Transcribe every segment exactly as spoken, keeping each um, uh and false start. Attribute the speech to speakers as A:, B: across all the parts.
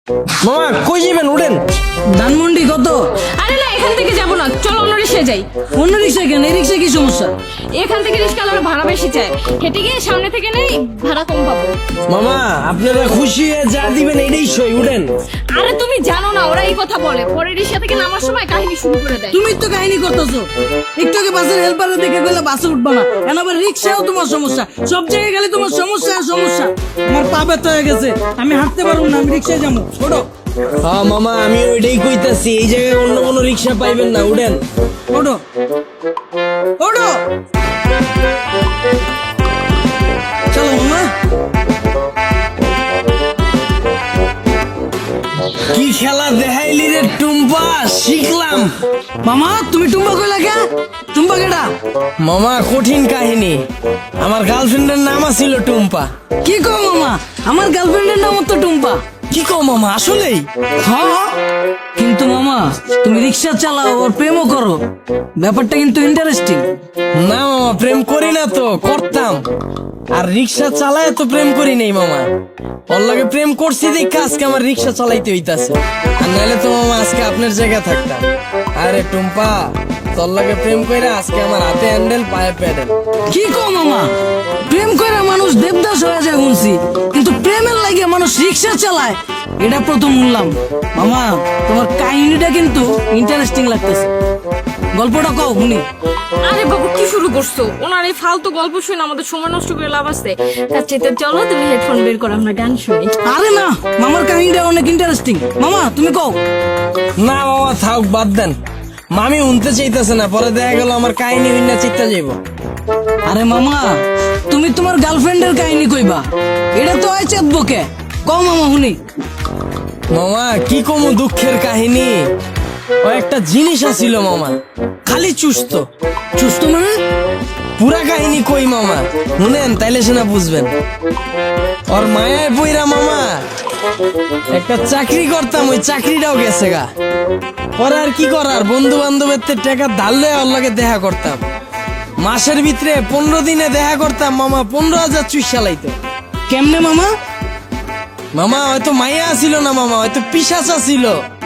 A: মামা কই যাবেন? উঠেন।
B: ধানমন্ডি কত?
C: আরে না, এখান থেকে যাবো না, চলো অন্য রিক্সায় যাই।
B: অন্য রিক্সা কেন? এই রিক্সা কি সমস্যা?
C: এখান থেকে রিক্সাওয়ালারা ভাড়া বেশি চায়, হেঁটে গিয়ে সামনে থেকে নেই, ভাড়া কম পাবো।
A: মামা আপনারা খুশি হয়ে যা দিবেন এটাই সই। উঠেন।
C: আরে তুমি জানো না, ওরা এই কথা বলে, পরে রিক্সা থেকে নামার সময় কাহিনী শুরু করে দেয়।
B: তুমি তো কাহিনী করতেছো। একটু আগে বাসের হেল্পারে দেখে গেলে বাসে উঠবা না, এখন আবার রিক্সাও তোমার সমস্যা। সব জায়গায় গেলে তোমার সমস্যা আর সমস্যা। আমার পা ব্যথা হয়ে গেছে, আমি হাঁটতে পারবো না, আমি রিক্সায় যাবো। ছোট
A: হ্যাঁ মামা আমি ওইটাই কইতাছি, এই জায়গায় অন্য কোনো রিক্সা পাইবেন না। উঠেন।
B: ওঠো ওঠো, চলো মামা।
A: কি খেলা দেখাইলি রে টুম্পা, শিখলাম।
B: মামা তুমি টুম্বা কইলা কে? টুম্বা কেডা?
A: মামা কঠিন কাহিনী, আমার গার্লফ্রেন্ডের নাম ছিল টুম্পা।
B: কি কও মামা? আমার গার্লফ্রেন্ডের নাম তো টুম্পা।
A: কি কও মামা, আসলেই?
B: হ্যাঁ, কিন্তু মামা তুমি রিক্সা চালাও আর প্রেমও করো, ব্যাপারটা কিন্তু ইন্টারেস্টিং।
A: না মামা প্রেম করি না তো, করতাম। আর রিক্সা চালায় তো প্রেম করি নাই মামা, ওর লগে প্রেম করছি দেখে আজকে আমার রিক্সা চালাইতে হইতাছে। আর নাহলে তো মামা আজকে আপনার জায়গায় থাকতাম। আরে টুম্পা তোর লগে প্রেম কইরা আজকে আমার হাতে হ্যান্ডেল পায়ে প্যাডেল।
B: কি কও মামা? প্রেম করে মানুষ দেবদাস হয়ে যায় শুনছি, কিন্তু প্রেমের লাগে মানুষ রিক্সা চালায় এটা প্রথম শুনলাম। মামা তোমার কাহিনীটা কিন্তু ইন্টারেস্টিং লাগতেছে, গল্পটা কও শুনি।
C: আরে বাবু কি শুরু করছো? ওনার এই ফালতু গল্প শুনে আমাদের সময় নষ্ট করে লাভ আছে। তার চাইতে চলো তুমি হেডফোন বের করো, আমরা গান শুনি।
B: আরে না, মামার কাহিনীটা অনেক ইন্টারেস্টিং। মামা তুমি কও।
A: না মামা থাক, বাদ দেন। মামি উনতে চাইতেছে না, পরে দেখা গেল আমার কাহিনী উন্না চিত্তা যাইব।
B: আরে মামা তুমি তোমার গার্লফ্রেন্ডের কাহিনী কইবা, এটা তো হয় চেতবকে। কও মামা শুনি।
A: মামা কি কমু দুঃখের কাহিনী, ও একটা জিনিস আছিল মামা, খালি চুস্ত।
B: সুস্থ মানে?
A: পুরা কাহিনী কই মামা, শুনেন তাইলে সেনা বুঝবেন। ওর মায়ায় বইরা মামা একটা চাকরি করতাম, ওই চাকরিটাও গেছে গা। পরে আর কি করার, বন্ধু বান্ধবের টাকা ধারলে ওর লগে দেখা করতাম। মাসের ভিতরে পনেরো দিনে দেখা করতাম মামা, পনেরো হাজার চুইস চালাইতো।
B: কেমনে মামা?
A: মামা হয়তো মাইয়া ছিল না মামা, হয়তো পিশাচা ছিল।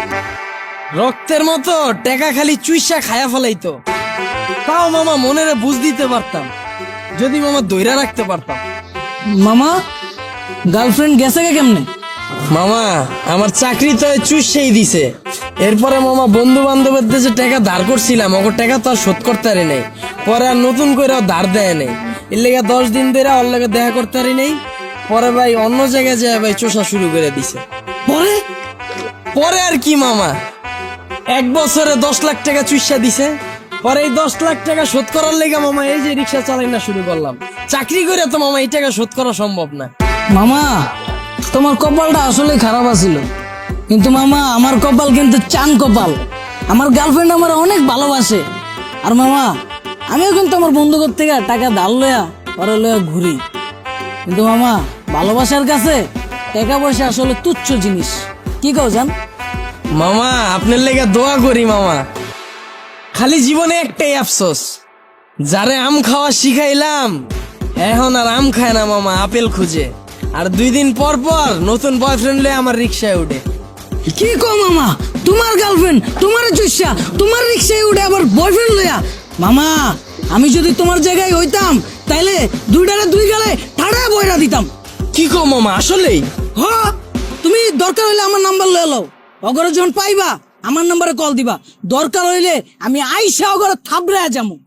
A: রক্তের মতো টেকা খালি চুইসা খায়া ফেলাইতো। তাও মামা মনেরে বুঝ দিতে পারতাম, যদি মামা দইরা রাখতে পারতাম।
B: মামা গার্লফ্রেন্ড গেছে কে কেমনে?
A: মামা আমার চাকরি তো চুষেই দিছে। এরপরে মামা বন্ধু বান্ধবের দেশে টাকা ধার করছিলাম, ওর টাকা তো আর শোধ করতে পারি নাই। পরে আর নতুন করে ধার দেয় নাই, এর লেগে দশ দিন ধরে ওর লেগে দেখা করতে পারি নাই। পরে ভাই অন্য জায়গায় যায় ভাই চোষা শুরু করে দিছে।
B: পরে
A: পরে আর কি মামা, এক বছরে দশ লাখ টাকা চুষা দিছে। পরে এই দশ লাখ টাকা শোধ করার লেগে মামা এই যে রিক্সা চালাই না শুরু করলাম। চাকরি করে তো মামা এই টাকা শোধ করা সম্ভব না।
B: মামা তোমার কপালটা আসলে খারাপ আছিল, কিন্তু মামা আমার কপাল কিন্তু চান কপাল। আমার গার্লফ্রেন্ড আমার অনেক ভালোবাসে। আর মামা আমিও কিন্তু আমার বন্ধুদের থেকে টাকা ধার লয়া পরে লয়া ঘুরি, কিন্তু মামা ভালোবাসার কাছে টাকা পয়সা আসলে তুচ্ছ জিনিস। কি কও জান?
A: মামা আপনার লেগে দোয়া করি মামা, খালি জীবনে একটাই আফসোস, যারে আম খাওয়া শিখাইলাম এখন আর আম খায় না মামা, আপেল খুঁজে। আর দুই দিন পর পর নতুন বয়ফ্রেন্ড লয়ে আমার রিক্সায় উঠে।
B: কি কও মামা? তোমার গার্লফ্রেন্ড তোমার চুষা তোমার রিক্সায় উঠে আবার বয়ফ্রেন্ড লয়া? মামা আমি যদি তোমার জায়গায় হইতাম তাইলে দুইটারে দুই গালে ঠাড়া বইরা দিতাম।
A: কি কো মামা, আসলেই?
B: হ, তুমি দরকার হইলে আমার নাম্বার লয়ে লও, অগরে যখন পাইবা আমার নাম্বারে কল দিবা। দরকার হইলে আমি আইসা অগরে থাবড়ায়া যামু।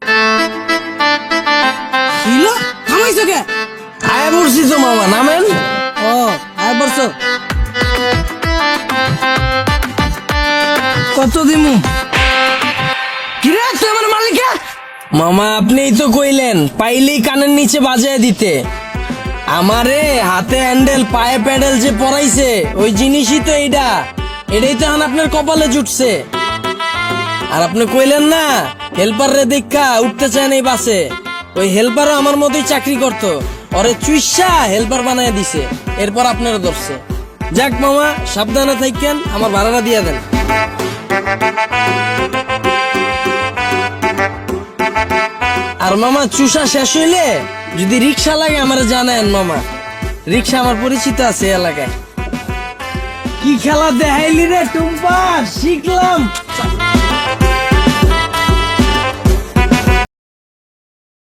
B: হিলো থামাইছো কে?
A: আয় বলছি তো মামা, নামেন।
B: ও আয় বলছো, কত দিমু? কিরে তুই আমার মালিকা?
A: মামা আপনিই তো কইলেন পাইলেই কানের নিচে বাজায় দিতে। আমারে হাতে হ্যান্ডেল পায়ে প্যাডেল যে পরাইছে ওই জিনিসই তো এইটা, এটাই তো এখন আপনার কপালে জুটছে। আর আপনি কইলেন না হেল্পার রে দেখা উঠতে চায় নাই বাসে, ওই হেল্পারও আমার মতোই চাকরি করতো, ওরে চুইসা হেল্পার বানায় দিছে, এরপর আপনারা ধরছে। যাক মামা সাবধানে থাকেন, আমার ভাড়াটা দিয়ে দেন। আর মামা চুষা শেষ হইলে যদি রিক্সা লাগে আমার জানায়েন মামা, রিক্সা আমার পরিচিত আছে এলাকায়। কি কি খেলা দেখাইলি রে টুম্পা, শিখলাম।